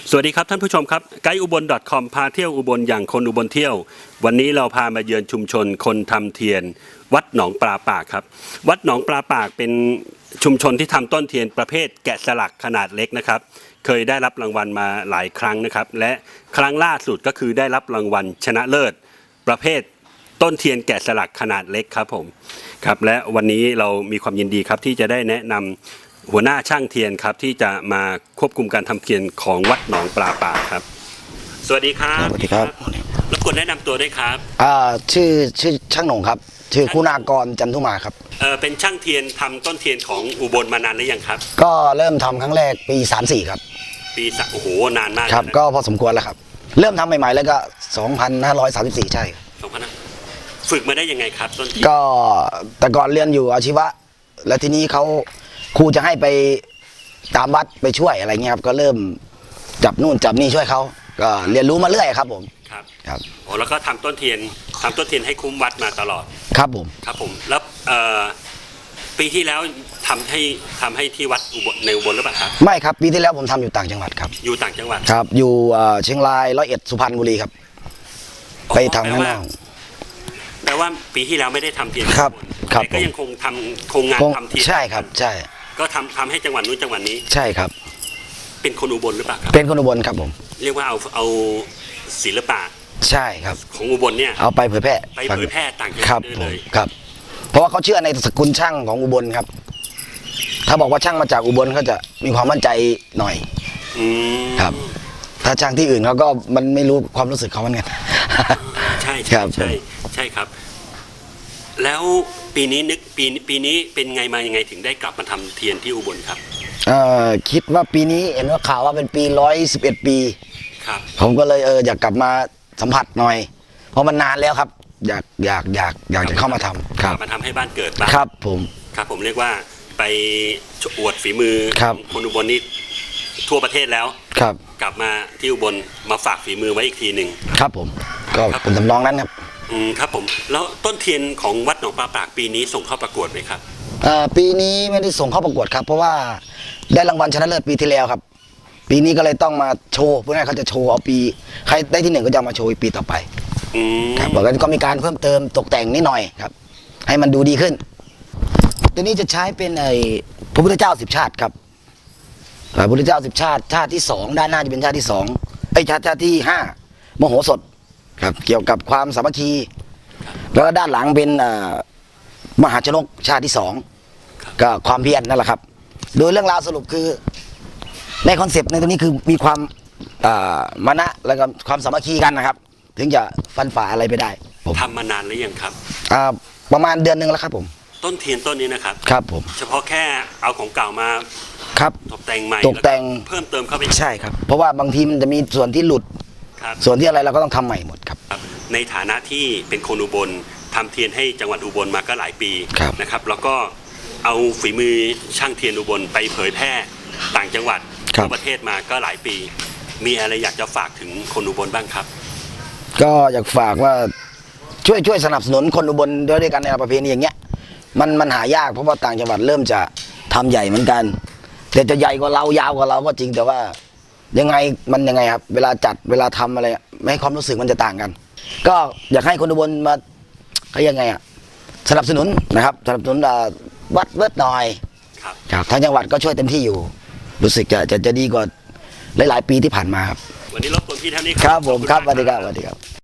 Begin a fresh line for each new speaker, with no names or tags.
สวัสดีครับท่านผู้ชมครับไกด์อุบล .com พาเที่ยวอุบลอย่างคนอุบลเที่ยววันนี้เราพามาเยือนชุมชนคนทำเทียนวัดหนองปลาปากครับวัดหนองปลาปากเป็นชุมชนที่ทำต้นเทียนประเภทแกะสลักขนาดเล็กนะครับเคยได้รับรางวัลมาหลายครั้งนะครับและครั้งล่าสุดก็คือได้รับรางวัลชนะเลิศประเภทต้นเทียนแกะสลักขนาดเล็กครับผมครับและวันนี้เรามีความยินดีครับที่จะได้แนะนำหัวหน้าช่างเทียนครับที่จะมาควบคุมการทำเทียนของวัดหนองปลาปากครับสวัสดีครับ
สวัสดีครับ
รบกวนแนะนำตัวด้วยครับ
ชื่อช่างหนงครับชื่อคุณากรจันทุมาครับ
เป็นช่างเทียนทำต้นเทียนของอุบลมานานหรือยังครับ
ก็เริ่มทำครั้งแรกปี34ครับ
ปีโอ้โหนานมาก
ครับก็พอสมควรแล้วครับเริ่มทำใหม่ๆแล้วก็2534ใช่
ฝึกมาได้ยังไงครับต้นเทียน
ก็แต่ก่อนเรียนอยู่อาชีวะแล้วทีนี้เขาครูจะให้ไปตามวัดไปช่วยอะไรเงี้ยครับก็เริ่มจับนู่นจับนี่ช่วยเขาก็เรียนรู้มาเรื่อยครับผม
ครับโอ้แล้วก็ทำต้นเทียนให้คุ้มวัดมาตลอด
ครับผม
แล้วปีที่แล้วทำให้ที่วัดในอุบลหรือเปล่าครับ
ไม่ครับปีที่แล้วผมทำอยู่ต่างจังหวัดครับ
อยู่ต่างจังหวัด
ครับอยู่เชียงราย101สุพรรณบุรีครับไปทำข้างนอก
แปลว่าปีที่แล้วไม่ได้ทำเทียน
ครับ
แต่ก็ยังคงงานทำเทียน
ใช่ครับใช่
ก็ทำให้จังหวัดนู้นจังหวัดนี้
ใช่ครับ
เป็นคนอุบลหรือเปล่าครับ
เป็นคนอุบลครับผม
เรียกว่าเอาศิลปะ
ใช่ครับ
ของอุบลเนี่ย
เอาไปเผยแพร่
ต่างจังหวัด
เลยครับเพราะว่าเขาเชื่อในสกุลช่างของอุบลครับถ้าบอกว่าช่างมาจากอุบลเขาจะมีความมั่นใจหน่อยครับถ้าช่างที่อื่นเขาก็มันไม่รู้ความรู้สึกเขาเหมือนกัน
ใช่ครับใช่ครับแล้วปีนี้ปีนี้เป็นไงมายังไงถึงได้กลับมาทำเทียนที่อุบลครับ
คิดว่าปีนี้เห็นว่าข่าวว่าเป็นปี111 ปี
ครับ
ผมก็เลยอยากกลับมาสัมผัสหน่อยเพราะมันนานแล้วครับอยากจะเข้ามาทำครับ
มาทำให้บ้านเกิดบ้าง
ครับ
ผมเรียกว่าไปอวดฝีมือคนอุบลนี่ทั่วประเทศแล้ว
ครับ
กลับมาที่อุบลมาฝากฝีมือไว้อีกทีหนึ่ง
ครับผมก็เป็นทำนองนั้นครับ
ครับผมแล้วต้นเทียนของวัดหนองปลาปากปีนี้ส่งเข้าประกวดไหมครับ
ปีนี้ไม่ได้ส่งเข้าประกวดครับเพราะว่าได้รางวัลชนะเลิศปีที่แล้วครับปีนี้ก็เลยต้องมาโชว์เพื่อเขาจะโชว์เอาปีใครได้ที่1ก็จะมาโชว์ปีต่อไปครับบอกกันก็มีการเพิ่มเติมตกแต่งนิดหน่อยครับให้มันดูดีขึ้นตัวนี้จะใช้เป็นพระพุทธเจ้า10 ชาติครับพระพุทธเจ้า10 ชาติที่2ด้านหน้าจะเป็นชาติที่2ชาติที่5มโหสถครับเกี่ยวกับความสามัคคีแล้วก็ด้านหลังเป็นมหาชนกชาติที่2ก็ความเพียรนั่นแหละครับโดยเรื่องราวสรุปคือในคอนเซปต์ในตรงนี้คือมีความมานะแล้วก็ความสามัคคีกันนะครับถึงจะฟันฝ่าอะไรไปได้
ทำมานานหรือยังครับ
ประมาณเดือนนึงแล้วครับผม
ต้นเทียนต้นนี้นะครับ
ครับผม
เฉพาะแค่เอาของเก่ามา
ครับ
ตกแต่งใหม่
ตกแต่ง
เพิ่มเติมเข้าไป
ใช่ครับเพราะว่าบางทีมันจะมีส่วนที่หลุดส่วนที่อะไรเราก็ต้องทำใหม่หมดครับ
ในฐานะที่เป็นคนอุบลทำเทียนให้จังหวัดอุบลมาก็หลายปีนะครับแล้วก็เอาฝีมือช่างเทียนอุบลไปเผยแพร่ต่างจังหวัดทั่วประเทศมาก็หลายปีมีอะไรอยากจะฝากถึงคนอุบลบ้างครับ
ก็อยากฝากว่าช่วยสนับสนุนคนอุบลด้วยกันในประเพณีอย่างเงี้ยมันหายากเพราะว่าต่างจังหวัดเริ่มจะทำใหญ่เหมือนกันแต่จะใหญ่กว่าเรายาวกว่าเราก็จริงแต่ว่ายังไงครับเวลาจัดเวลาทำอะไรไม่ให้ความรู้สึกมันจะต่างกันก็อยากให้คนอุบลมาเขายังไงสนับสนุนนะครับสนับสนุนวัดหน่อยครับทางจังหวัดก็ช่วยเต็มที่อยู่รู้สึกจะดีกว่าหลายๆปีที่ผ่านมาครับ
วันนี้รบกวนพี่ท่านนี้
ครับผมครับสวัสดีครับ